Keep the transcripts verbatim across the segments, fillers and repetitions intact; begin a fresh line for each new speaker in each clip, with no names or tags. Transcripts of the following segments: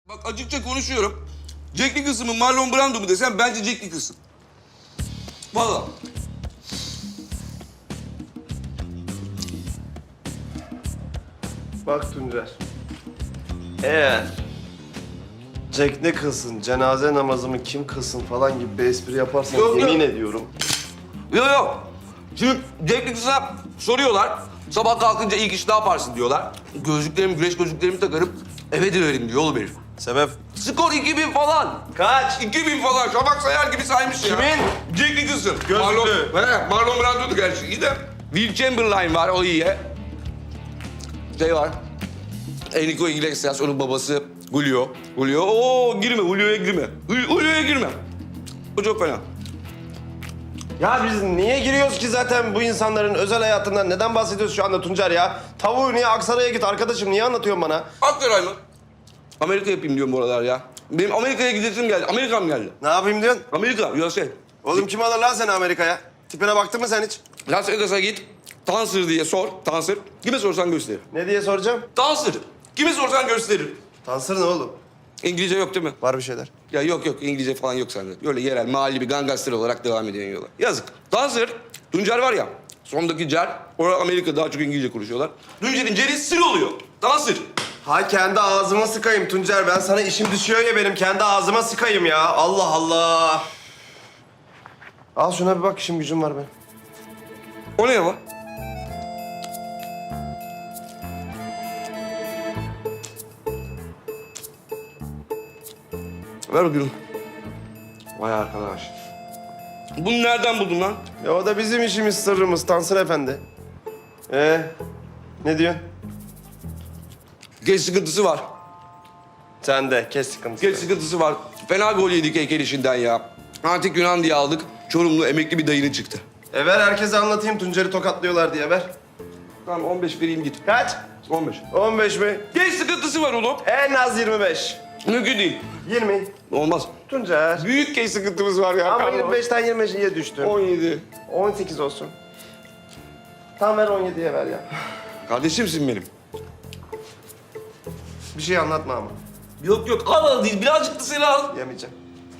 Bak açıkça konuşuyorum. Jack Nicholson mı Marlon Brando mu desem bence Jack Nicholson. Vallahi.
Bak Tuncer. Eğer Jack Nicholson cenaze namazımı kim kılsın falan gibi bir espri yaparsan
Yok,
yemin
yok.
ediyorum.
Yok yok. Şimdi Jack Nicholson'a soruyorlar. Sabah kalkınca ilk iş ne yaparsın diyorlar. Gözlüklerimi, güneş gözlüklerimi takarım. Eve dönerim diyor oğlum herif.
Sebep?
Skor iki bin falan.
Kaç?
iki bin falan. Şafak Sayar gibi saymış ya.
Kimin?
Jack Nicholson.
Gözlüklü.
Marlon, he, Marlon Brando'du gerçi. İyi de Will Chamberlain var, o iyi. Şey var. Enrico Iglesias, onun babası Julio. Julio, oo girme, Julio'ya girme. Jul- Julio'ya girme. O çok fena.
Ya biz niye giriyoruz ki zaten bu insanların özel hayatından? Neden bahsediyoruz şu anda Tuncer ya? Tavuğu niye Aksaray'a git arkadaşım, niye anlatıyorsun bana?
Aksaray mı? Amerika yapayım diyorum bu aralar ya. Benim Amerika'ya gidesim geldi. Amerika'm geldi.
Ne yapayım diyorsun?
Amerika, U S A.
Oğlum kim alır lan seni Amerika'ya? Tipine baktın mı sen hiç?
Las Vegas'a git. Tansır diye sor. Tansır. Kime sorsan gösterir.
Ne diye soracağım?
Tansır. Kime sorsan gösterir.
Tansır ne oğlum?
İngilizce yok değil mi?
Var bir şeyler.
Ya yok yok, İngilizce falan yok sende. Böyle yerel, mahalli bir gangster olarak devam ediyorsun yola. Yazık. Tansır. Tuncer var ya. Sondaki Cer. Orada Amerika daha çok İngilizce konuşuyorlar. Tuncer'in Cer'i sır oluyor. Tansır.
Ha kendi ağzıma sıkayım Tuncer. Ben sana işim düşüyor ya benim. Kendi ağzıma sıkayım ya. Allah Allah. Al şuna bir bak, işim gücüm var benim.
O ne ya? Ver o gülüm. Vay arkadaş. Bunu nereden buldun lan?
Ya o da bizim işimiz, sırrımız Tansır Efendi. Ee, ne diyorsun?
Geç sıkıntısı var.
Sen de kes sıkıntısı.
Geç sıkıntısı var. Fena gol yedik heykel işinden ya. Antik Yunan diye aldık. Çorumlu emekli bir dayının çıktı.
E ver herkese anlatayım Tuncer'i tokatlıyorlar diye, ver.
Tamam on beş vereyim git.
Kaç?
on beş.
on beş mi?
Geç sıkıntısı var oğlum.
En az yirmi beş.
Mümkün değil.
yirmi.
Olmaz.
Tuncer.
Büyük geç sıkıntımız var ya.
Ama yirmi beşten yirmi beşe düştüm.
on yedi.
on sekiz olsun. Tam ver on yediye ver ya.
Kardeşimsin benim.
Bir şey anlatma ama.
Yok yok al al değil. Birazcık da seni al.
Yemeyeceğim.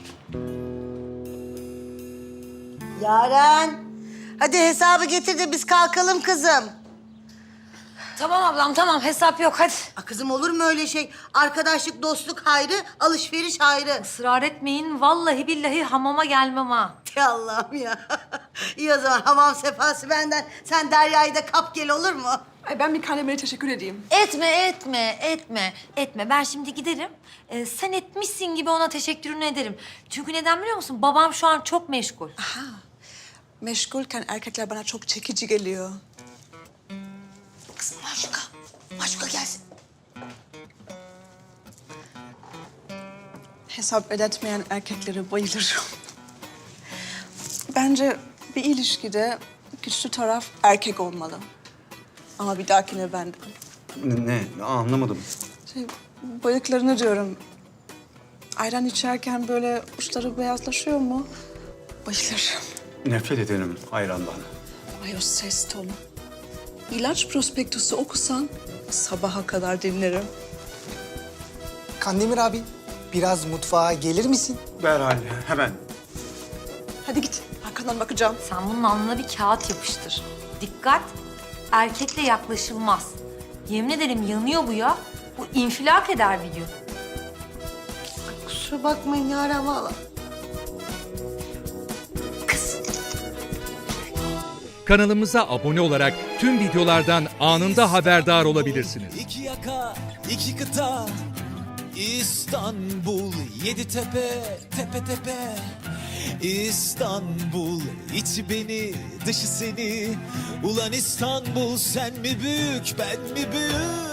Yaren, hadi hesabı getir de biz kalkalım kızım.
Tamam ablam tamam hesap yok hadi.
Aa, kızım olur mu öyle şey? Arkadaşlık, dostluk hayrı, alışveriş hayrı.
Israr etmeyin vallahi billahi hamama gelmem ha.
Ey Allah'ım ya. İyi o zaman hamam sefası benden. Sen Derya'yı da kap gel olur mu?
Ay ben bir Kandemir'e teşekkür edeyim.
Etme etme etme etme ben şimdi giderim. Ee, sen etmişsin gibi ona teşekkürünü ederim. Çünkü neden biliyor musun? Babam şu an çok meşgul.
Meşgulken erkekler bana çok çekici geliyor.
Kızım Maşuka, Maşuka gelsin.
Hesap ödetmeyen erkeklere bayılırım. Bence bir ilişkide güçlü taraf erkek olmalı. Ama bir dahakine ben de.
Ne? ne? Anlamadım.
Şey, bıyıklarını diyorum. Ayran içerken böyle uçları beyazlaşıyor mu? Bayılırım.
Nefret ederim ayrandan.
Ay o ses tonu. İlaç prospektüsü okusan sabaha kadar dinlerim.
Kandemir abi, biraz mutfağa gelir misin?
Derhal, hemen.
Hadi git, arkandan bakacağım.
Sen bunun alnına bir kağıt yapıştır. Dikkat, erkekle yaklaşılmaz. Yemin ederim yanıyor bu ya. Bu infilak eder bir gün.
Kusura bakmayın Yaren valla.
Kanalımıza abone olarak tüm videolardan anında haberdar olabilirsiniz.
İki yaka, iki kıta, İstanbul, yedi tepe, tepe tepe. İstanbul, içi beni, dışı seni. Ulan İstanbul, sen mi büyük, ben mi büyük?